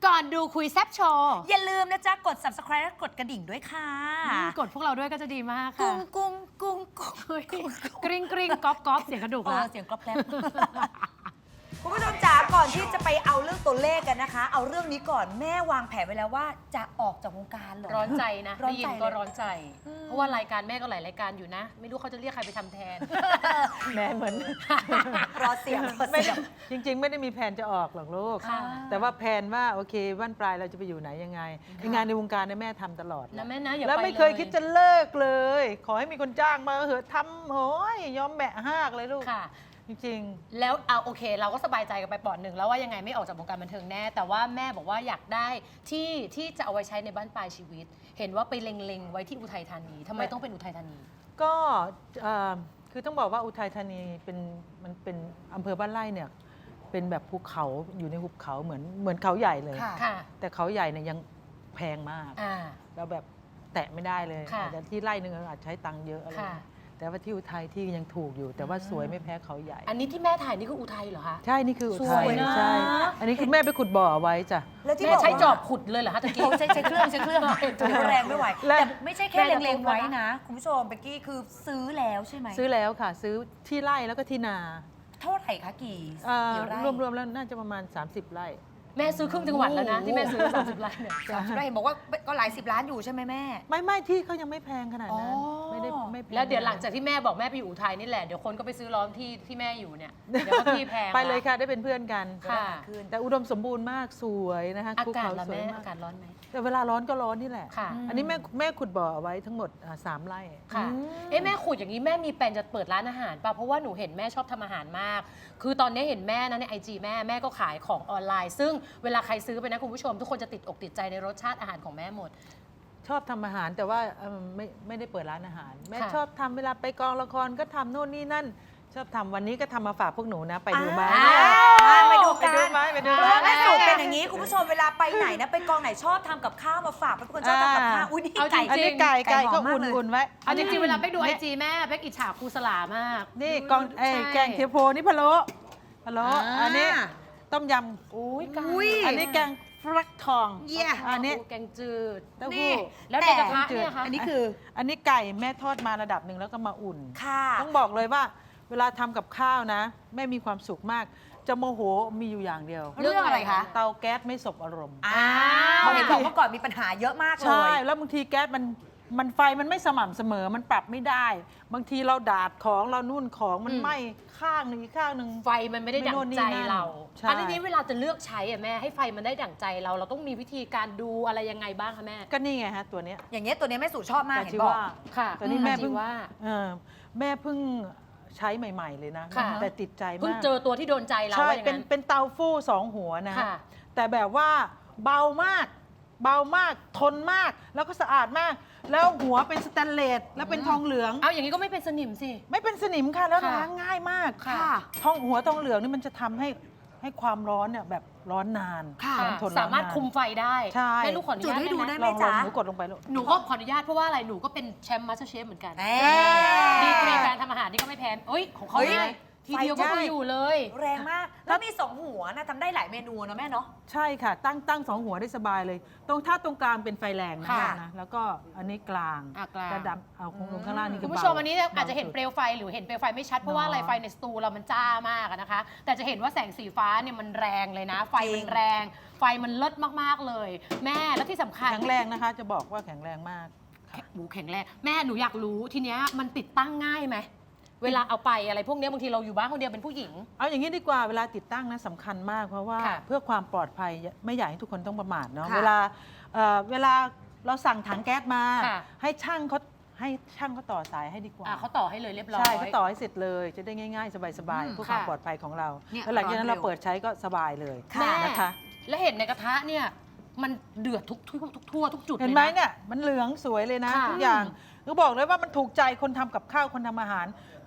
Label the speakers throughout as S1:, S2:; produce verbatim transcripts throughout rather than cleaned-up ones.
S1: ก่อนดูคุยแซบโชว์
S2: อย่าลืมนะจ๊ะกด ซับสไครบ์ และกดกระดิ่งด้วยค่ะ
S1: กดพวกเราด้วยก็จะดีมากค่ะ
S2: กุ้งกุ้งกุ้งกุ้ง
S1: กริ๊งกริ๊งก๊อบก๊อบเสียงกระดูก
S2: เอ
S1: แล้
S2: อ
S1: ว
S2: เสียงกรอบแกรบ คุณผู้ชมจ๋าก่อนที่จะไปเอาเรื่องตัวเลขกันนะคะ เอาเรื่องนี้ก่อนแม่วางแผนไว้แล้วว่าจะออกจากวงการเหรอ
S3: ร้อนใจนะ
S2: ร้อน
S3: ได้ยิ
S2: ใจ
S3: น
S2: เลย
S3: ก็ร้อนใจ เพราะว่ารายการแม่ก็หลายรายการอยู่นะ ไม่รู้เขาจะเรียกใครไปทำแทน
S4: แม่เหมือน
S2: รอเสียงรอ
S4: ไม่
S2: เสียง
S4: จริง ๆ ไม่ได้มีแผนจะออกหรอกลูก
S3: ค่ะ
S4: แต่ว่าแผนว่าโอเคบ้านปลายเราจะไปอยู่ไหนยังไงงานในวงการเนี่ยแม่ทำตลอด
S3: นะแม่นะอย่า
S4: แล้ว
S3: ไป
S4: ไม่เคยคิดจะเลิกเลย ขอให้มีคนจ้างมาเหอะทำโหยยอมแบะหากเลยลูก
S3: ค่ะ
S4: จริง
S3: แล้วเอาโอเค เราก็สบายใจกันไปปอดหนึ่งแล้วว่ายังไงไม่ออกจากวงการบันเทิงแน่ แต่ว่าแม่บอกว่าอยากได้ที่ที่จะเอาไว้ใช้ในบ้านปลายชีวิต เห็นว่าไปเล็งๆไว้ที่อุทัยธานีทำไมต้องเป็นอุทัยธานี
S4: ๆ ก็เอ่อคือต้องบอกว่าอุทัยธานีเป็นมันเป็นอำเภอบ้านไร่เนี่ยเป็นแบบภูเขาอยู่ในหุบเขาเหมือนเหมือนเขาใหญ่เลย
S2: ค่ะ
S3: ค่ะ
S4: แต่เขาใหญ่เนี่ยยังแพงมาก
S3: อ่า
S4: เราแบบแตะไม่ได้เลย
S3: ค่ะ
S4: อาจจะที่ไร่หนึงอาจใช้ตังค์เยอะอะไร
S3: ค่ะ
S4: แต่ว่าที่อุทัยที่ยังถูกอยู่ แต่ว่าสวยไม่แพ้เขาใหญ่
S3: อันนี้ที่แม่ถ่ายนี่คืออุทัยเหรอคะ
S4: ใช่นี่คืออุ
S3: ส
S4: ทั
S3: วย ยนะ
S4: ใช่ อันนี้คือแม่ไปขุดบ่อเอาไว้จ้ะ
S2: แล้วที่
S3: แม่
S2: บอก
S3: ใช้
S2: ว่า
S3: จอบขุดเลยเหรอคะตะกี้
S2: โอ้ใช้ใช้เครื่องใช้เครื่องถือว่าแรงไม่ไหว
S4: และ
S2: แต่ไม่ใช่แค่
S3: แม่จะ
S2: เล็ง
S3: พูด
S2: ๆไว้
S3: ว่า
S2: นะ คุณผู้ชมเบกกี้คือซื้อแล้วใช่ไหม
S4: ซื้อแล้วค่ะ ซื้อที่ไร่แล้วก็ที่นา
S2: เท่าไหร่คะกี่
S4: เอ่อ
S2: กี่ไร่
S4: รวมๆแล้วน่าจะประมาณ สามสิบ ไร่
S3: แม่ซื้อครึ่งจังหวัดแล้วนะที่แม่ซื้อสามสิบไร่เนี่ย
S2: สามสิบไร่เห็นบอกว่าก็หลายสิบล้านอยู่ใช่ไหมแม่
S4: ไม่ไม่ที่เขายังไม่แพงขนาดนั้น
S2: อ๋อ
S4: ไม่ได้ไม่แพง
S3: แล้วเดี๋ยวหลังจากที่แม่บอกแม่ไปอยู่อุทัยนี่แหละเดี๋ยวคนก็ไปซื้อล้อมที่ที่แม่อยู่เนี่ยเดี๋ยวก็ที่แพง
S4: ไปเลยค่ะได้เป็นเพื่อนกัน
S3: ค่ะ
S4: แต่อุดมสมบูรณ์มากสวยนะคะ
S3: อา
S4: ภู
S3: กาศ
S4: เขา
S3: ละ
S4: สวย
S3: แม่
S4: มา
S3: อากกาศร้อนไหม
S4: แต่เวลาร้อนก็ร้อนนี่แหละ
S3: ค่ะ
S4: อันนี้แม่แม่ขุดบ่อเอาไว้ทั้งหมดอ่าสามไร่
S3: ค่ะ เอ๊ะแม่ขุดอย่างนี้แม่มีแปลนจะเปิดร้านอาหารป่ะ เพราะว่าหนูเห็นแม่ชอบทำอาหารมาก คือตอนนี้เห็นแม่นะในไอจีแม่แม่ก็ขายของออนไลน์ ซึ่งเวลาใครซื้อไปนะคุณผู้ชม ทุกคนจะติดอกติดใจในรสชาติอาหารของแม่หมด
S4: ชอบทำอาหารแต่ว่าเอิ่มไม่ไม่ได้เปิดร้านอาหาร แม่
S3: ค่ะ
S4: ชอบทำเวลาไปกองละครก็ทำโน่นนี่นั่น ชอบทำวันนี้ก็ทำมาฝากพวกหนูนะ ไปดูไหม
S2: อ่าไปดู
S4: ไป
S2: กัน
S4: ดูไหมไปดู
S2: เอ
S4: ไหม
S2: อแม่สูตรเป็นอย่างนี้คุณผู้ชมเวลาไปไหนนะไปกองไหนชอบทำกับข้าวมาฝากเป็นคนชอบทำกับข้าวอุ้ยนี่
S3: เอาจริ
S2: ไก่
S3: ง
S4: อันนี้ไก่
S2: ไก่
S4: ไก่
S2: หอ
S4: ก็
S2: มมากเลย
S4: อุ่นๆไว้
S1: เอาจริงๆเวลาไปดูไอจีแม่เป๊กอิจฉาครูสลามาก
S4: นี่กองไอ้
S1: ใช่
S4: แกงเทียโพนี่พะโล้พะโล้
S2: อ่า
S4: อันนี้ต้มย
S3: อุ้ยไก่
S2: อุ้ย
S4: ำอันนี้แกงฟักทอง
S2: เยี่ย
S4: อันนี้
S3: แกงจืด
S4: เต้า
S2: นี่
S4: หู้
S3: แล้วในกระทะเนี่ยคะ
S2: อันนี้คือ
S4: อันนี้ไก่แม่ทอดมาระดับหนึ่งแล้วก็มาอุ่น
S2: ค่ะ
S4: ต้องบอกเลยว่าเวลาทำกับข้าวนะแม่มีความสุขมาก จะโมโหมีอยู่อย่างเดียว
S2: เรื่องอะไรคะ
S4: เตาแก๊สไม่สบอารมณ์
S2: อ้าวเห็นบอกเมื่อก่อนมีปัญหาเยอะมากเล
S4: ใช่
S2: ย
S4: แล้วบางทีแก๊สมันมันไฟมันไม่สม่ำเสมอมันปรับไม่ได้ บางทีเราดาดของเรานุ่นของมัน
S3: อืม
S4: ไหม้ข้างหนึ่งอีกข้างหนึ่ง
S3: ไฟมันไม่ได้ดั่งใจเรา
S4: ใช่
S3: อันนี้เวลาจะเลือกใช้อะแม่ให้ไฟมันได้ดั่งใจเรา เราต้องมีวิธีการดูอะไรยังไงบ้างคะแม่
S4: ก็นี่ไงฮะตัวเนี้ย
S2: อย่างเงี้ยตัวเนี้ยแม่สู่ชอบมาก
S4: แต่
S2: เห็น
S4: ชื่
S2: บ
S4: อ
S2: อก
S4: ว่า
S3: ค่ะ
S4: ตอนนี้แม่เพิ่ง
S3: ชื่อว่า
S4: เออแม่เพิ่งใช้ใหม่ ๆ เลยนะ
S3: ค่ะ
S4: แต่ติดใจ
S3: เพิ่ง
S4: มาก
S3: เจอตัวที่โดนใจเรา
S4: ใช่
S3: ว่าอย่าง
S4: เป็น
S3: นั้น
S4: เป็นเตาฟู้สองหัวนะ
S3: ค่ะ
S4: แต่แบบว่าเบามาก เบามากทนมาก แล้วก็สะอาดมาก แล้วหัวเป็นสแตนเลสแล้วเป็นทองเหลือง
S3: เอาอย่างนี้ก็ไม่เป็นสนิมสิ
S4: ไม่เป็นสนิมค่ะแล้ว
S3: ค่ะ
S4: ล้างง่ายมาก
S3: ค่ะ
S4: ทองหัวทองเหลืองนี่มันจะทำให้ให้ความร้อนเนี่ยแบบร้อนนาน
S2: ค่ะ
S4: ความทน
S3: สามารถ
S4: นน
S3: คุมไฟได้
S4: ใช่
S3: แม่ลูกขออนุ
S2: จุด
S3: ญาต
S2: ให้ดู
S3: ได้
S2: ได้
S3: ไห
S2: ไห
S3: ม
S2: ม
S4: ลองลอง
S2: จ๊ะ
S4: หนูกดลงไปลูก
S3: หนูก็ขออนุญาตเพราะว่าอะไรหนูก็เป็นแชมป์มาสเตอร์เชฟเหมือนกัน
S2: เอ๊ะ
S3: ดีกรีการทำอาหารนี่ก็ไม่แพ้เอ้ยของเขา
S2: เฮ้ย
S3: ได้ทีเดียวก็
S4: ไฟ
S3: คือ
S4: ได้
S3: อยู่เลย
S2: แรงมาก แล้วมีสองหัวนะทำได้หลายเมนูนะแม่เนาะ
S4: ใช่ค่ะ ตั้งตั้งสองหัวได้สบายเลย ตรงถ้าตรงกลางเป็นไฟแรงนะ
S3: ค่ะ
S4: นะแล้วก็อันนี้กลาง
S3: อ่ะกลาง
S4: ระดับเอาคงลงข้างล่างนี่
S3: คุ
S4: คื
S3: ณ
S4: อ
S3: ผู้
S4: เบา
S3: ชมอันนี้อาจจะเห็น
S4: บสุด
S3: เปลวไฟหรือเห็นเปลวไฟไม่ชัดเพราะว่าอะไร
S4: เนาะ
S3: ไฟในสตูเรามันจ้ามากอะนะคะ แต่จะเห็นว่าแสงสีฟ้าเนี่ยมันแรงเลยนะ ไฟมันแรง ไฟมันเลิศมากๆเลย แม่แล้วที่สำคัญ
S4: แข็งแรงนะคะ จะบอกว่าแข็งแรงมาก
S3: แข็งหมูแข็งแรงแม่หนูอยากรู้ทีเนี้ยมันติดตั้งง่ายไหมเวลาเอาไปอะไรพวกเนี้ยบางทีเราอยู่บ้านคนเดียวเป็นผู้หญิง
S4: เอาอย่างนี้ดีกว่าเวลาติดตั้งนะสำคัญมาก เพราะว่า
S3: ค่ะ
S4: เพื่อความปลอดภัยไม่อยากให้ทุกคนต้องประมาทเนาะ
S2: ค่ะ
S4: เวลาเอ่อเวลาเราสั่งถังแก๊สมา
S3: ค่ะ
S4: ให้ช่างเขาให้ช่างเขาต่อสายให้ดีกว่า
S3: อ่ะเขาต่อให้เลยเรียบร้อย
S4: ใช่เขาต่อให้เสร็จเลยจะได้ง่ายๆ สบาย
S2: อืม
S4: ๆเพื่อความ
S3: ค่ะ
S4: ปลอดภัยของเรา
S2: เนี่ย
S4: แล้วหลังจากนั้น
S2: ร้อนเร็
S4: เรา
S2: ว
S4: เปิดใช้ก็สบายเลย
S3: แม่
S4: นะคะ
S3: แล้วเห็นในกระทะเนี่ยมันเดือดทุกทั่วทุกทั่วทุกจุด
S4: เห็น
S3: ล
S4: ไหม
S3: ยะ
S4: เนี่ยมันเหลืองสวยเลยนะ
S3: ค่ะ
S4: ทุกอย่างก็บอกเลยว่ามันถูกใจคนทำกับข้าวคนทำอาหาร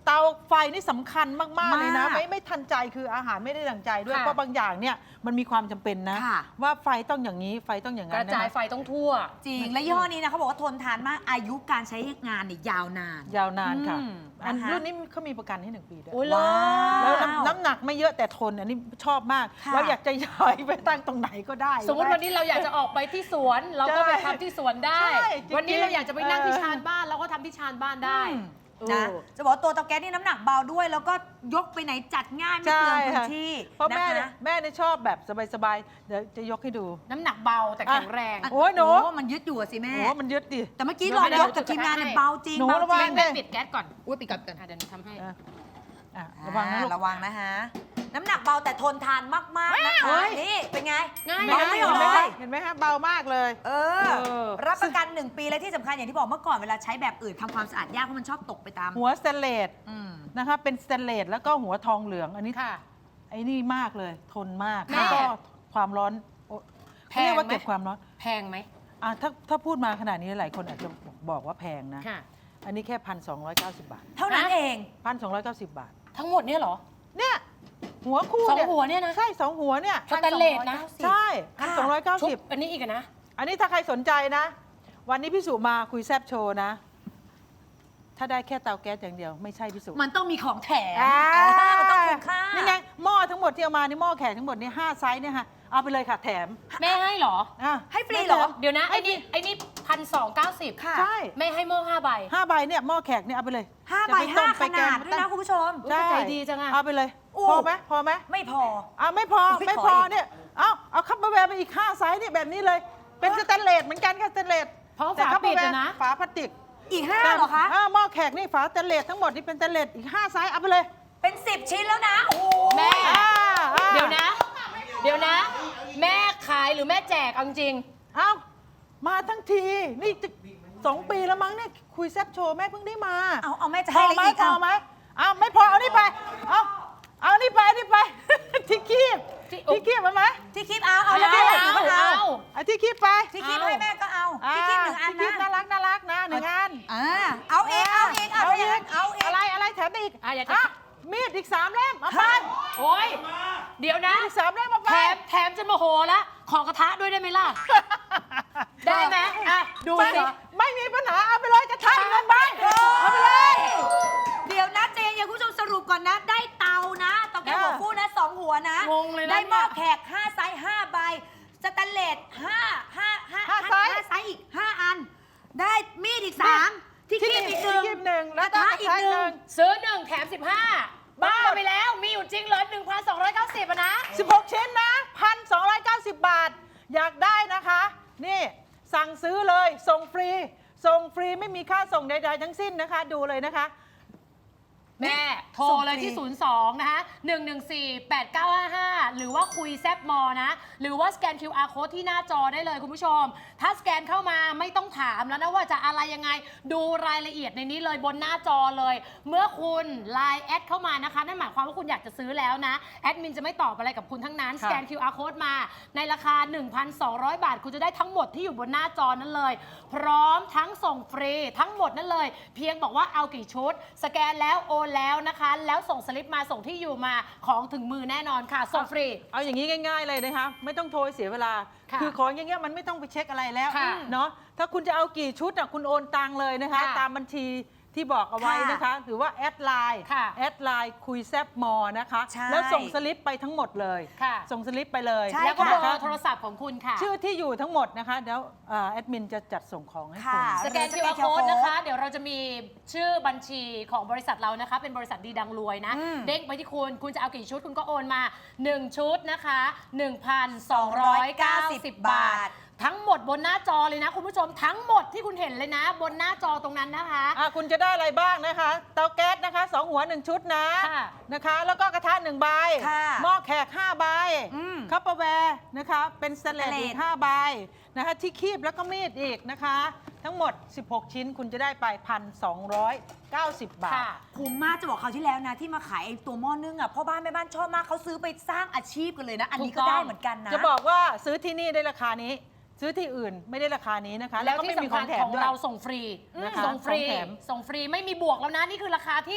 S4: เตาไฟนี่สำคัญมาก ๆ เลยนะ
S2: มาก
S4: ไม่ไม่ทันใจคืออาหารไม่ได้ดังใจด้วย
S3: ค่ะ
S4: เพราะบางอย่างเนี่ยมันมีความจำเป็นนะ
S2: ค่ะ
S4: ว่าไฟต้องอย่างนี้ไฟต้องอย่าง
S3: ก
S4: นั้น
S3: ระจาย
S4: นะ
S3: ไฟต้องทั่ว
S2: จริง และยี่ห้อนี้นะเขาบอกว่าทนทานมากอายุการใช้งานเนี่ยยาวนาน
S4: ยาวนานค่ะ
S2: อืม
S4: อัน
S2: นะคะ
S4: รุ่นนี้เขามีประกันให้หนึ่งปีด้วย
S3: โอ้ย
S2: ว้า
S4: แล้ว
S2: ว
S4: น้ำน้ำหนักไม่เยอะแต่ทนอันนี้ชอบมาก
S2: ค่ะ
S4: เราอยากจะย้ายไปตั้งตรงไหนก็ได้
S3: สมมติวันนี้เราอยากจะออกไปที่สวน เราก็ไปทำที่สวนได้
S4: ใช่จริงๆ
S3: วันนี้เราอยากจะไปนั่งที่
S4: เออ
S3: ชานบ้านเราก็ทำที่ชานบ้านได้
S4: อืม
S2: นะ
S3: เออ
S2: จะบอกว่าตัวเตาแก๊สนี่น้ำหนักเบาด้วย แล้วก็ยกไปไหนจัดง่ายไม่
S4: ใช่
S2: เปลืองพื้น
S4: ค่ะ
S2: ที่
S4: เพราะ
S2: นะ
S4: แม่เนี่ย
S2: คะ
S4: แม่เนี่ยชอบแบบสบายๆเดี๋ยวจะยกให้ดู
S3: น้ำหนักเบาแต่แข็งแรง
S2: ะ
S4: โอ้ยหนู
S2: มันยึดอยู่อะสิแม่
S4: โอ้มันยึดดิ
S2: แต่เมื่อกี้ลองยกกับทีมงานเนี่ยเบาจริง
S4: หนู
S2: เบา
S4: ระ
S2: จ
S4: วั
S2: ริ
S4: ง
S2: ง
S3: แม่ปิดแก๊สก่อน
S2: อุ้ยปิดกับกัน
S3: อ่ะเดี๋ยวหนูทำให้
S4: อ่ะอ่ะระวังนะลูก
S2: ระวังนะฮะ น้ำหนักเบาแต่ทนทานมาก ๆ นะคะ นี่เป็นไง
S3: ง่าย
S2: เบา
S3: นะ
S2: ไม่
S4: เห็
S2: ออน ก
S4: ไหม
S2: เล
S4: คะ
S2: ย
S4: เห็นไหมคะเบามากเลย
S2: เออ
S4: เออ
S2: รับประกันหนึ่งปีและที่สำคัญอย่างที่บอกเมื่อก่อนเวลาใช้แบบอื่นทำความสะอาดยากเพราะมันชอบตกไปตาม
S4: หัวสเตนเลส
S2: อืม
S4: นะคะเป็นสเตนเลสแล้วก็หัวทองเหลืองอันนี้
S3: ค่ะ
S4: ไอ้นี่มากเลย ทนมาก
S3: แม่
S4: แล้วก็ความร้อนโอ้
S3: แพ
S4: เขา
S3: ง
S4: เรียกว่า
S3: ไหม
S4: เก็บความร้อน
S3: แพงไหม
S4: อ่ะถ้าถ้าพูดมาขนาดนี้หลายคนอาจจะบอกว่าแพงนะ
S3: ค่ะ
S4: อันนี้แค่พันสองร้อยเก้าสิบบาท
S2: เท่านั้น
S3: ฮะ
S2: เอง
S4: พันสองร้อยเก้าสิบบาท
S3: ทั้งหมดเนี่ยเหรอ
S4: เนี่ยหัวคู่
S3: สองหัวเนี่ยนะ
S4: ใช่สองหัวเนี่ย
S3: สแตนเลสนะ
S4: ใช่พันสองร้อยเก้า
S3: ชุ
S4: สิบ
S3: บอันนี้อีกอะนะ
S4: อันนี้ถ้าใครสนใจนะ วันนี้พี่สุมาคุยแซบโชว์นะ ถ้าได้แค่เตาแก๊สอย่างเดียวไม่ใช่พี่สุ
S2: มันต้องมีของแถม
S4: อ่า
S2: อ่ามันต้องคุ้มค่า
S4: นี่ไงหม้อทั้งหมดที่เอามานี่หม้อแขกทั้งหมดนี่ห้าไซส์เนี่ยค่ะเอาไปเลยค่ะแถม
S3: แม่ให้เหรอ
S4: อ่ะ
S2: ให้ฟรีเหรอ
S3: เดี๋ยวนะ ไอ้นี่ไอ้นี่พันสองเก้าสิบ
S2: ค่ะ
S4: ใช่
S3: แม่ให้หม้อห้าใบ
S4: ห้าใบเนี่ยหม้อแขกเนี่ยเอาไปเลย
S2: ห้า
S4: จะ
S2: ใบ
S4: ไป
S2: ห้า
S4: ต้ม
S2: ข
S4: ไปแก
S2: นาง ดด้วยนะคุณผู้ชม
S3: อุ๊ยใจดีจังอะ
S4: เอาไปเลย
S2: อู้
S4: พอไหมพอไหม
S2: ไม่พอ
S4: อ่ะไม่พอ
S2: โอ้ย
S4: ไม่
S2: ขอ
S4: พอ
S2: อีก
S4: เนี่ยเอาเอาคัพเปอร์แวร์ไปอีกห้าไซส์นี่แบบนี้เลย เป็นสแตนเลสเหมือนกันค่ะสแตนเลส
S3: เพราะ
S4: แต่
S3: ฝา
S4: คัพเปอ
S3: ปิด
S4: ร์แว
S3: อะ
S4: ร์
S3: นะ
S4: ฝาพลาสติก
S2: อีกห้าเหรอคะ
S4: อ่าหม้อแขกนี่ฝาสแตนเลสทั้งหมดนี่เป็นสแตนเลสอีกห้าไซส์เอาไปเลย
S2: เป็นสิบชิ้นแล้วนะ โอ้โห
S3: แม่
S4: อ่าอ่า
S3: เดี๋ยวนะ เดี๋ยวนะ แม่ขายหรือแม่แจกเอาจริง
S4: เอามาทั้งทีนี่จะสองปีแล้วมั้งเนี่ยคุยแซบโชว์แม่เพิ่งได้มา
S2: เอาเอาแม่จะ
S4: พอ
S2: ให้อะไร
S4: ไหม
S2: อีก
S4: พอ
S2: เอา
S4: ไหมเอาไม่พอเอานี่ไปเอาเอานี่ไปนี่ไป ที่คีบ
S3: ที่
S4: ที่คีบเอาไหม
S2: ที่คิดเอาเอา
S3: เอา
S2: แล้วแม่
S3: เอา
S2: ก็เอา
S3: เอา
S4: เอาที่คีบไป
S2: ที่คิดให้แม่ก็เอาที่คิดหนึ่งอัน
S4: ที่คีบน่า
S2: นะ
S4: รักน่ารักนะหนึ่งอัน
S2: อ่าเอาเองเอาเองเอา
S4: เอา
S2: เอ
S4: อี
S2: ง
S4: ก
S2: เอาเอง
S4: อะไรอะไรแถมได้อีก
S3: อ่ะอยากจะ
S4: อ่ะมีดอีกสามเล่มเอาไป
S3: โอ้ยเดี๋ยวนะ
S4: มีดอีกสามเล่มเอาไป
S3: แถมแถมจนโมโหแล้ว ขอกระทะด้วยได้ไหมล่ะ ได้ไหมอ่ะ ดู
S4: ไม่
S3: สิ
S4: ไม่มีปัญหาเอาไปเลยจะทายเงินบ้านเอาไปเลย
S2: เดี๋ยวนะเจนอย่าคุณผู้ชมสรุปก่อนนะ ได้เตานะเตาแก๊สหัวฟูนะสองหัวนะ
S3: งงเลยนะ
S2: ได้หม้อ
S3: เนี่ย
S2: แขกห้าไซส์ห้าใบสแตนเลสห้าห้าห้า
S4: ห้าไซส์
S2: ห้าไซส์อีกห้าอัน ได้มีดอีกสามที่คีบอีกหนึ่ง
S4: ที่คีบหนึ่งแล้ว
S2: กระทะอีกหนึ่ง
S3: ซื้อหนึ่งแถมสิบห้าบ้าไปแล้ว มีอยู่จริงเหรอหนึ่งพันสองร้อยเก้าสิบอะนะ
S4: สิบหกชิ้นนะพันสองร้อยเก้าสิบบาท อยากได้นะคะ นี่สั่งซื้อเลยส่งฟรี ส่งฟรีไม่มีค่าส่งใดๆทั้งสิ้นนะคะ ดูเลยนะคะ
S3: แม่ โทรเลยที่ ศูนย์ สอง นะคะ หนึ่ง หนึ่ง สี่ แปด เก้า ห้า ห้า หรือว่าคุยแซบมอนะ หรือว่าสแกน คิว อาร์ Code ที่หน้าจอได้เลยคุณผู้ชม ถ้าสแกนเข้ามาไม่ต้องถามแล้วนะว่าจะอะไรยังไง ดูรายละเอียดในนี้เลยบนหน้าจอเลย เมื่อคุณไลน์แอดเข้ามานะคะ นั่นหมายความว่าคุณอยากจะซื้อแล้วนะ แอดมินจะไม่ตอบอะไรกับคุณทั้งนั้น ส
S4: ค่ะ
S3: แกน คิว อาร์ Code มาในราคา หนึ่งพันสองร้อย บาท คุณจะได้ทั้งหมดที่อยู่บนหน้าจอนั้นเลย พร้อมทั้งส่งฟรีทั้งหมดนั่นเลย เพียงบอกว่าเอากี่ชุด สแกนแล้วโอนแล้วนะคะ แล้วส่งสลิปมาส่งที่อยู่มาของถึงมือแน่นอนค่ะ ส่งฟรี
S4: เอาอย่างนี้ง่าย ๆเลยนะคะ ไม่ต้องโทรเสียเวลา
S3: ค่ะ
S4: อของอย่างเงี้ยมันไม่ต้องไปเช็คอะไรแล้ว
S3: ค่ะ
S4: เนาะถ้าคุณจะเอากี่ชุดอ่ะคุณโอนตังเลยนะคะ
S3: ค่ะ
S4: ตามบัญชีที่บอกเอาไว้นะคะ หรือว่าแอดไลน์
S3: ค่ะ
S4: แอดไลน์คุยแซบมอนะคะ
S2: ใช่
S4: แล้วส่งสลิปไปทั้งหมดเลย
S3: ค่ะ
S4: ส่งสลิปไปเลย
S2: ใช่
S3: แล้วก็เบอ
S4: นะคะ
S3: ร์โทรศัพท์ของคุณค่ะ
S4: ชื่อที่อยู่ทั้งหมดนะคะเดี๋ยวเอ่อแอดมินจะจัดส่งของให้คุณ
S2: ค่ะ
S3: สแกน คิว อาร์ Code นะคะ เดี๋ยวเราจะมีชื่อบัญชีของบริษัทเรานะคะ เป็นบริษัทดีดังรวยนะ
S2: อืม
S3: เด้งไปที่คุณ คุณจะเอากี่ชุดคุณก็โอนมา หนึ่ง ชุดนะคะ หนึ่งพันสองร้อยเก้าสิบ บาท ทั้งหมดบนหน้าจอเลยนะ คุณผู้ชมทั้งหมดที่คุณเห็นเลยนะ บนหน้าจอตรงนั้นนะคะ
S4: อ่ะคุณจะได้อะไรบ้างนะคะ เตาแก๊สนะคะสองหัวหนึ่งชุดนะ
S3: ค่ะ
S4: นะคะ แล้วก็กระทะหนึ่งใบ
S2: ค่ะ
S4: หม้อแขกห้าใบ
S2: อืม
S4: คัพเปอร์แวร์นะคะเป็นสแตนเลส
S2: สแตนเลส
S4: อีกห้าใบนะคะที่คีบแล้วก็มีดอีกนะคะ ทั้งหมด สิบหก ชิ้นคุณจะได้ไป หนึ่งพันสองร้อยเก้าสิบ บาท
S3: ค่ะ
S2: คุ้มมากจะบอกคราวที่แล้วนะ ที่มาขายไอ้ตัวหม้อนึ่งอ่ะพ่อบ้านแม่บ้านชอบมากเขาซื้อไปสร้างอาชีพกันเลยนะ อันนี้ก็
S3: ถูกต้อง
S2: ได้เหมือนกันนะ
S4: จะบอกว่าซื้อที่นี่ได้ราคานี้ ซื้อที่อื่นไม่ได้ราคานี้นะคะ
S3: แล้ว
S4: ก็
S3: ที่
S4: ไม่มี
S3: สำ
S4: ข
S3: คั
S4: อ
S3: ญ
S4: งแถ
S3: ข
S4: ม
S3: อง
S4: ด้วย
S3: เราส่งฟรี
S4: นะคะ
S3: ส่งฟรี
S4: ของแถม
S3: ส่งฟรีไม่มีบวกแล้วนะ นี่คือราคาที่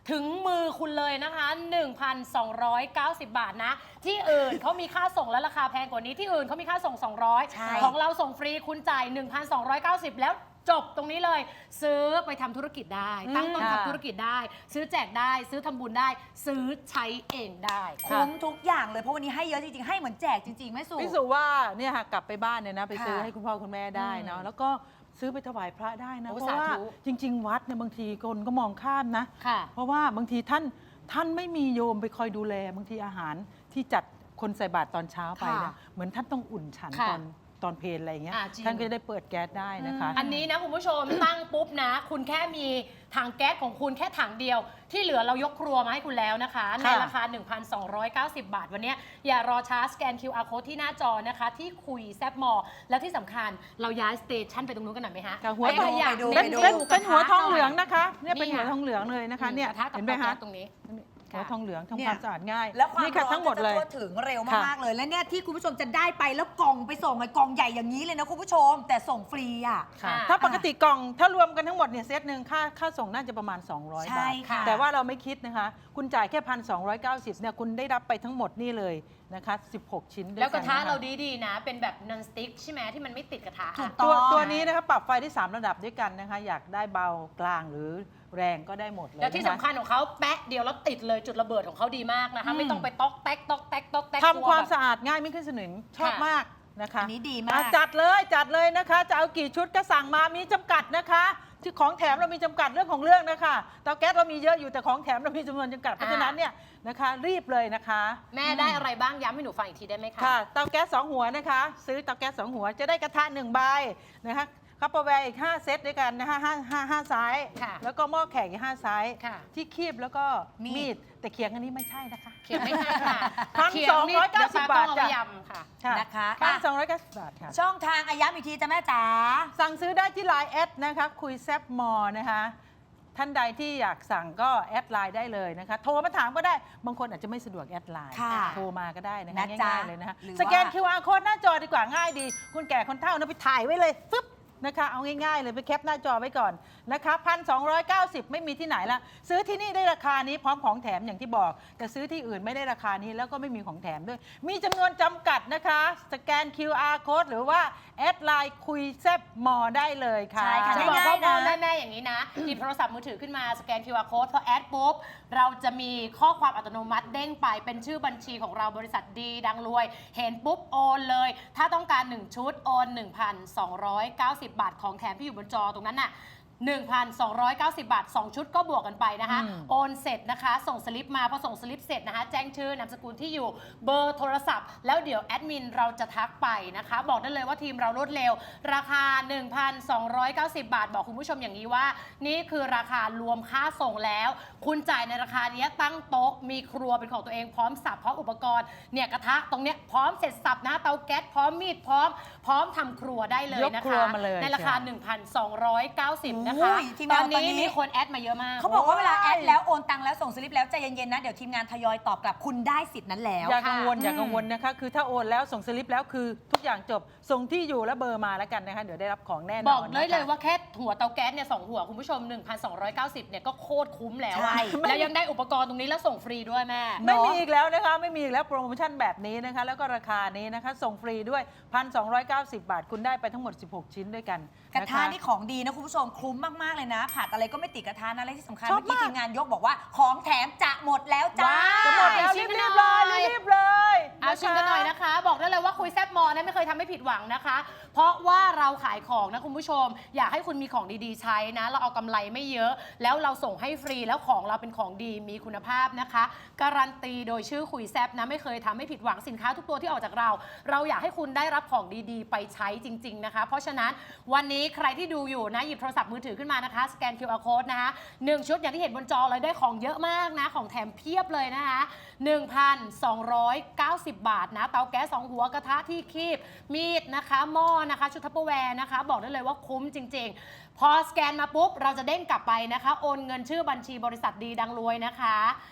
S3: ถึงมือคุณเลยนะคะ หนึ่งพันสองร้อยเก้าสิบ บาทนะ ที่อื่นเขามีค่าส่งและราคาแพงกว่านี้ที่อื่นเขามีค่าส่ง สองร้อย
S2: ใช่
S3: ของเราส่งฟรีคุณจ่าย หนึ่งพันสองร้อยเก้าสิบ แล้วจบตรงนี้เลย ซื้อไปทำธุรกิจได้ ตั้งต้น
S4: ค่ะ
S3: ทำธุรกิจได้ ซื้อแจกได้ ซื้อทำบุญได้ ซื้อใช้เองได้
S2: คุ้มทุกอย่างเลยเพราะวันนี้ให้เยอะจริงๆ ให้เหมือนแจกจริงๆแม่สุ
S4: พี่สุว่าเนี่ยค่ะกลับไปบ้านเนี่ยนะไปซื้อ
S2: ค่ะ
S4: ให้คุณพ่อคุณแม่ได้เนาะ
S2: อืม
S4: แล้วก็ซื้อไปถวายพระได้นะ
S3: โอ้
S4: เพราะว่า
S3: สาธุ
S4: จริง ๆ วัดเนี่ยบางทีคนก็มองข้ามนะ
S3: ค่ะ
S4: เพราะว่าบางทีท่านท่านไม่มีโยมไปคอยดูแลบางทีอาหารที่จัดคนใส่บาตรตอนเช้าไป
S2: ค่ะ
S4: นะเหมือนท่านต้องอุ่นฉัน
S3: ค่ะ
S4: ตอนตอนเพลนอะไรอย่างเงี้ย
S3: อ่าจริง
S4: ท่านก็จะได้เปิดแก๊สได้นะคะ
S3: อันนี้นะคุณผู้ชม ตั้งปุ๊บนะ คุณแค่มีถังแก๊สของคุณแค่ถังเดียว ที่เหลือเรายกครัวมาให้คุณแล้วนะคะ ในราคา หนึ่งพันสองร้อยเก้าสิบ บาท วันนี้อย่ารอช้าสแกน คิว อาร์ Code ที่หน้าจอนะคะ ที่คุยแซบมอลแล้วที่สำคัญเราย้ายสเตชันไปตรงนู้นกันหน่อยไหมฮะ
S4: ค่ะหัว
S3: ไป
S4: ทอง
S3: ขยะ
S2: ไปดู
S3: เน้
S4: เป็น
S3: น
S4: เป็น
S3: ดู
S4: เป็นหัวทอง
S3: กระ
S4: เหลือง
S3: น่ย
S4: นะคะเนี่ยเป็น
S3: นี่
S4: หัว
S3: ค่ะ
S4: ทองเหลืองเลยนะคะเนี่ย
S3: กระทะกับ
S4: เห็นไหม
S3: เตา
S4: คะ
S3: แก๊สตรงนี้
S4: หัวทองเหลืองทำ
S2: เนี่ย
S4: ความสะอาดง่าย
S2: แล้วความ
S4: นี่ค่ะ
S2: ร้อน
S4: ทั้งหมดเลย
S2: จะทั่วถึงเร็ว
S4: ค่ะ
S2: มากๆเลย และเนี่ยที่คุณผู้ชมจะได้ไปแล้วกล่องไปส่งไอ้กล่องใหญ่อย่างนี้เลยนะคุณผู้ชม แต่ส่งฟรีอ่ะ
S4: ค่ะ
S3: ค่ะ
S4: ถ้าปกติกล่องถ้ารวมกันทั้งหมดเนี่ยเซตหนึ่งค่าค่าส่งน่าจะประมาณ สองร้อย
S2: ใช่
S4: บาท
S2: ค่ะ
S4: แต่ว่าเราไม่คิดนะคะ คุณจ่ายแค่ หนึ่งพันสองร้อยเก้าสิบ เนี่ยคุณได้รับไปทั้งหมดนี่เลยนะคะ สิบหก ชิ้นด้วย
S3: แล้วกระทะ
S4: นค
S3: เราดีๆนะ เป็นแบบนอนสติ๊กใช่ไหมที่มันไม่ติดกระทะ
S2: ถู
S3: อะ
S2: กต้
S4: ตั
S2: อ
S4: ว
S2: ง
S4: ตัวนี้นะคะปรับไฟได้ สาม ระดับด้วยกันนะคะ อยากได้เบากลางหรือแรงก็ได้หมดเลย
S3: แล้วที่
S4: นะ
S3: สำคั
S4: คะ
S3: ญของเขาแป๊ะเดียวแล้วติดเลยจุดระเบิดของเขาดีมากนะคะ
S4: อืม
S3: ไม่ต้องไปต๊อกแต๊กต๊อกแต๊กต๊อกแต๊ก
S4: ทำความ
S3: กลัแบบ
S4: สะอาดง่ายไม่ขึ้นสนิมชอบ
S3: ค่ะ
S4: มากนะคะ
S2: อันนี้ดีมาก
S4: อ่ะจัดเลยจัดเลยนะคะ จะเอากี่ชุดก็สั่งมามีจำกัดนะคะที่ของแถมเรามีจำกัดเรื่องของเรื่องนะคะเตาแก๊สเรามีเยอะอยู่แต่ของแถมเรามีจำนวนจำกัดเพราะฉะนั้นเนี่ยนะคะ รีบเลยนะคะ
S3: แม่ได้อะไรบ้างย้ำให้หนูฟังอีกทีได้ไหมคะ
S4: ค่ะเตาแก๊สสองหัวนะคะ ซื้อเตาแก๊สสองหัวจะได้กระทะหนึ่งใบนะคะคัพเปอร์แวร์อีกห้าเซตด้วยกันนะคะห้าห้าห้าไซส์
S3: ค่ะ
S4: แล้วก็หม้อแขกอีกห้าไซส์
S3: ค่ะ
S4: ที่คีบแล้วก็
S2: มีด
S4: มีดแต่เขียงอันนี้ไม่ใช่นะคะ
S3: เขียนไม่ใช่ค่ะ
S4: พัน
S3: เขีย
S4: สองร้อยเก้าสิบ
S3: ดี๋วป้
S4: บาท
S3: ต้อง
S4: จ้ะ
S3: เอยำค่ะ
S2: นะคะ
S4: พัน
S2: อ่ะ
S4: สองร้อยเก้าสิบบาทค่ะ
S2: ช่องทางอาย้ำอีกทีจ้ะแม่จ๋า
S4: สั่งซื้อได้ที่ ไลน์ แอดนะคะคุยแซบมอนะคะ ท่านใดที่อยากสั่งก็แอดไลน์ได้เลยนะคะ โทรมาถามก็ได้บางคนอาจจะไม่สะดวกแอดไลน์
S2: ค่ะ
S4: โทรมาก็ได้นะคะ
S2: นะจ๊ะ
S4: ง่ายๆเลยนะคะ
S2: หรือว่า
S4: สแกน คิว อาร์ Code หน้าจอดีกว่าง่ายดี คุณแก่คนเฒ่านะไปถ่ายไว้เลยฟึบนะคะเอาง่ายๆเลยไปแคปหน้าจอไว้ก่อนนะคะพันสองร้อยเก้าสิบไม่มีที่ไหนละซื้อที่นี่ได้ราคานี้พร้อมของแถมอย่างที่บอก แต่ซื้อที่อื่นไม่ได้ราคานี้แล้วก็ไม่มีของแถมด้วย มีจำนวนจำกัดนะคะ สแกน คิว อาร์ Code หรือว่าแอดไลน์คุยแซบมอได้เลยค่ะ
S2: ใช่ค่ะ
S3: จะบอก
S2: ง่ายๆ
S3: พ่อ
S2: นะ
S3: ๆแม่ๆอย่างนี้นะ หยิบโทรศัพท์มือถือขึ้นมาสแกน คิว อาร์ Code พอแอดปุ๊บ เราจะมีข้อความอัตโนมัติเด้งไปเป็นชื่อบัญชีของเราบริษัทดีดังรวย เห็นปุ๊บโอนเลย ถ้าต้องการ หนึ่ง ชุด โอน หนึ่งพันสองร้อยเก้าสิบ บาทของแถมที่อยู่บนจอตรงนั้นน่ะ หนึ่งพันสองร้อยเก้าสิบ บาท สอง ชุดก็บวกกันไปนะคะ
S4: อืม
S3: โอนเสร็จนะคะ ส่งสลิปมาพอส่งสลิปเสร็จนะคะ แจ้งชื่อนามสกุลที่อยู่เบอร์โทรศัพท์ แล้วเดี๋ยวแอดมินเราจะทักไปนะคะ บอกได้เลยว่าทีมเรารวดเร็ว ราคา หนึ่งพันสองร้อยเก้าสิบ บาท บอกคุณผู้ชมอย่างนี้ว่า นี่คือราคารวมค่าส่งแล้ว คุณจ่ายในราคานี้ตั้งโต๊ะมีครัวเป็นของตัวเองพร้อมสับพร้อมอุปกรณ์เนี่ยกระทะตรงเนี้ยพร้อมเสร็จสับนะเตาแก๊สพร้อมมีดพร้อม พร้อมทำครัวได้เลย
S4: ยก
S3: นะ
S4: ครั
S3: คะ
S4: วมาเลย
S3: ในราคา
S4: ใช่
S3: หนึ่งพันสองร้อยเก้าสิบ นะคะ
S2: โอ้ยทีมงาน
S3: ตอนนี้
S2: ตอนนี้
S3: มีคนแอดมาเยอะมาก
S2: เขาบอกว่าเวลาแอดแล้วโอนตังค์แล้วส่งสลิปแล้วใจเย็นๆนะ เดี๋ยวทีมงานทยอยตอบกลับคุณได้สิทธิ์นั้นแล้ว
S4: อย่ากังวล
S2: ค่ะ
S4: อย่ากังวลนะคะ คือถ้าโอนแล้วส่งสลิปแล้วคือทุกอย่างจบ ส่งที่อยู่และเบอร์มาแล้วกันนะคะ เดี๋ยวได้รับของแน่นอน
S3: บอกเลยเลย
S4: นะคะ
S3: ว่าแค่หัวเตาแก๊สเนี่ยสองหัวคุณผู้ชม หนึ่งพันสองร้อยเก้าสิบ เนี่ยก็โคตรคุ้มแล้ว
S2: ใช่
S3: อะแล้วยังได้อุปกรณ์ตรงนี้แล้วส่งฟรีด้วยแม่
S4: ไม่มีอีกแล้วนะคะ ไม่มีอีกแล้วโปรโมชั่นแบบนี้นะคะ แล้วก็ราคานี้นะคะ ส่งฟรีด้วย หนึ่งพันสองร้อยเก้าสิบ บาท คุณได้ไปทั้งหมด สิบหก ชิ้นด้วยกัน
S2: กระ
S4: นค
S2: ทะนี่ของดีนะคุณผู้ชมคุ้มมากๆเลยนะผัดอะไรก็ไม่ติดกระทะนะและที่สำคัญ
S4: ชอบ
S2: เมื่อกี้
S4: มาก
S2: ทีมงานยกบอกว่าของแถมจะหมดแล้วจ้า
S4: จะหมดแล้ว
S3: ชิ
S4: รี
S3: ม
S4: บ
S3: กัน
S4: รีบ
S3: หน่
S4: เล
S3: อย
S4: ยรีบๆเลย
S3: เอาชิมกันหน่อยนะคะ บอกได้เลยว่าคุยแซบมอนะไม่เคยทำให้ผิดหวังนะคะ เพราะว่าเราขายของนะคุณผู้ชม อยากให้คุณมีของดีๆใช้นะ เราเอากำไรไม่เยอะ แล้วเราส่งให้ฟรีแล้วของเราเป็นของดีมีคุณภาพนะคะ การันตีโดยชื่อคุยแซบนะไม่เคยทำให้ผิดหวังสินค้าทุกตัวที่ออกจากเรา เราอยากให้คุณได้รับของดีๆ ไปใช้จริง ๆนะคะ เพราะฉะนั้นวันนี้ใครที่ดูอยู่นะหยิบโทรศัพท์มือถือขึ้นมานะคะสแกน คิว อาร์ Code นะคะหนึ่งชุดอย่างที่เห็นบนจอเลยได้ของเยอะมากนะของแถมเพียบเลยนะคะ หนึ่งพันสองร้อยเก้าสิบ บาทนะเตาแก๊สสองหัวกระทะที่คีบมีดนะคะหม้อนะคะชุดทัพเปอร์แวร์นะคะบอกได้เลยว่าคุ้มจริง ๆ พอสแกนมาปุ๊บเราจะเด้งกลับไปนะคะโอนเงินชื่อบัญชีบริษัทดีดังรวยนะคะ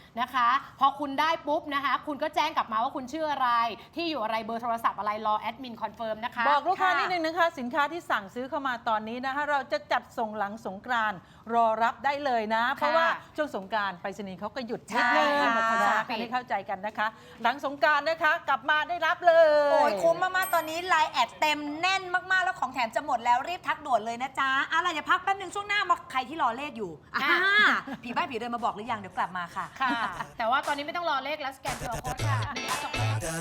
S1: นะคะ พอคุณได้ปุ๊บนะคะ คุณก็แจ้งกลับมาว่าคุณชื่ออะไร ที่อยู่อะไรเบอร์โทรศัพท์อะไรรอแอดมินคอนเฟิร์มนะคะ
S4: บอกลูกค้า
S2: ค่ะ
S4: นิดนึงนะคะ สินค้าที่สั่งซื้อเข้ามาตอนนี้นะคะ เราจะจัดส่งหลังสงกรานต์รอรับได้เลยนะ เพราะว่าช่วงสงกรานต์ไปรษณีย์เขาก็หยุดนิดนึง
S2: ใช่ค่ะ
S4: นะคะให้เข้าใจกันนะคะ หลังสงกรานต์นะคะกลับมาได้รับเลย
S2: โอ้ยคุ้มมาก ๆ ตอนนี้ไลน์แอดเต็มแน่นมาก ๆ แล้วของแถมจะหมดแล้วรีบทักด่วนเลยนะจ๊ะอะไรเดี๋ยวพักแป๊บนึงช่วงหน้ามาใครที่รอเลขอยู่อ่าผีบ้าผีเดินมาบอกหรือยังเดี๋ยวกลับมาค่ะ
S1: ค่ะ แต่ว่าตอนนี้ไม่ต้องรอเลขแล้วสแกน คิว อาร์ Code ค่ะจบแล้ว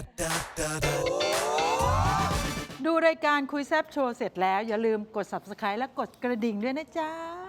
S4: ดูรายการคุยแซบโชว์เสร็จแล้วอย่าลืมกด ซับสไครบ์ และกดกระดิ่งด้วยนะจ๊ะ